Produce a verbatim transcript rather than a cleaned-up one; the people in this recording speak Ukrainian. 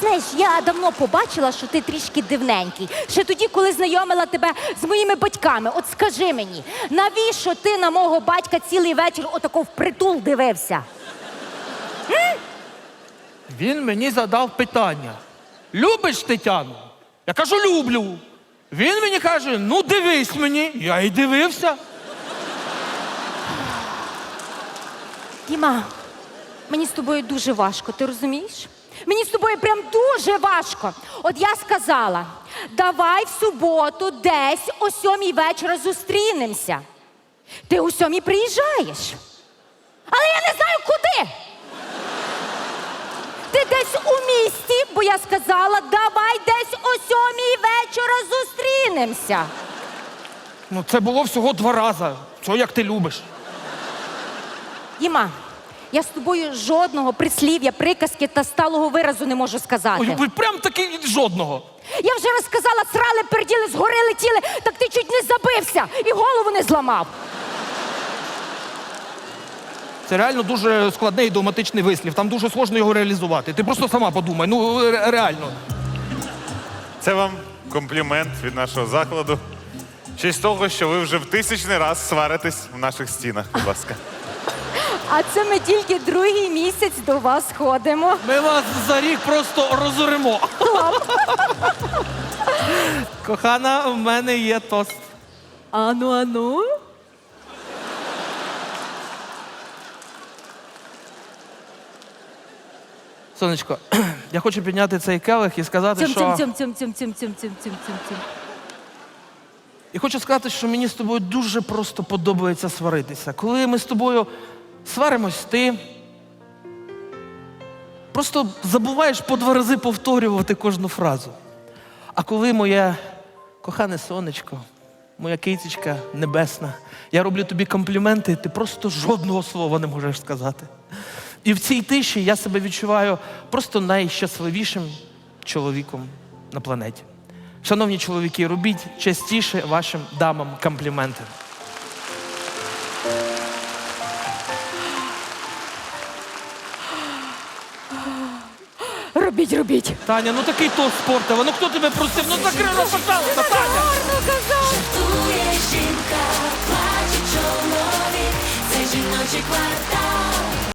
знаєш, я давно побачила, що ти трішки дивненький. Ще тоді, коли знайомила тебе з моїми батьками. От скажи мені, навіщо ти на мого батька цілий вечір отако впритул дивився? Він мені задав питання. Любиш Тетяну? Я кажу, люблю. Він мені каже, ну дивись мені. Я і дивився. Діма, мені з тобою дуже важко, ти розумієш? Мені з тобою прям дуже важко. От я сказала, давай в суботу десь о сьомій вечора зустрінемося. Ти о сьомій приїжджаєш. Але я не знаю, куди. Ти десь у місті, бо я сказала, давай десь о сьомій вечора зустрінемося. Ну це було всього два рази. Що як ти любиш? Діма, я з тобою жодного прислів'я, приказки та сталого виразу не можу сказати. Ой, ви прям таки жодного. Я вже розказала, срали, перділи, згори летіли, так ти чуть не забився і голову не зламав. Це реально дуже складний ідіоматичний вислів. Там дуже сложно його реалізувати. Ти просто сама подумай, ну ре- реально. Це вам комплімент від нашого закладу. В честь того, що ви вже в тисячний раз сваритесь в наших стінах, будь ласка. А це ми тільки другий місяць до вас ходимо. Ми вас за рік просто розоримо. Кохана, в мене є тост. Ану, ану. Сонечко, я хочу підняти цей келих і сказати, Цьом, що... цьом, цьом, цьом, цьом, цьом, цьом, цьом, цьом, цьом, цьом. І хочу сказати, що мені з тобою дуже просто подобається сваритися. Коли ми з тобою сваримось, ти просто забуваєш по два рази повторювати кожну фразу. А коли моє кохане сонечко, моя кицечка небесна, я роблю тобі компліменти, ти просто жодного слова не можеш сказати. І в цій тиші я себе відчуваю просто найщасливішим чоловіком на планеті. Шановні чоловіки, робіть частіше вашим дамам компліменти. Робіть, робіть. Таня, ну такий тост спортивий. Ну хто тебе просив? Ну закрий рот, пожалуйста, Таня! Гарно казав. Жартує жінка, плаче чоловік, це жіночий квартал.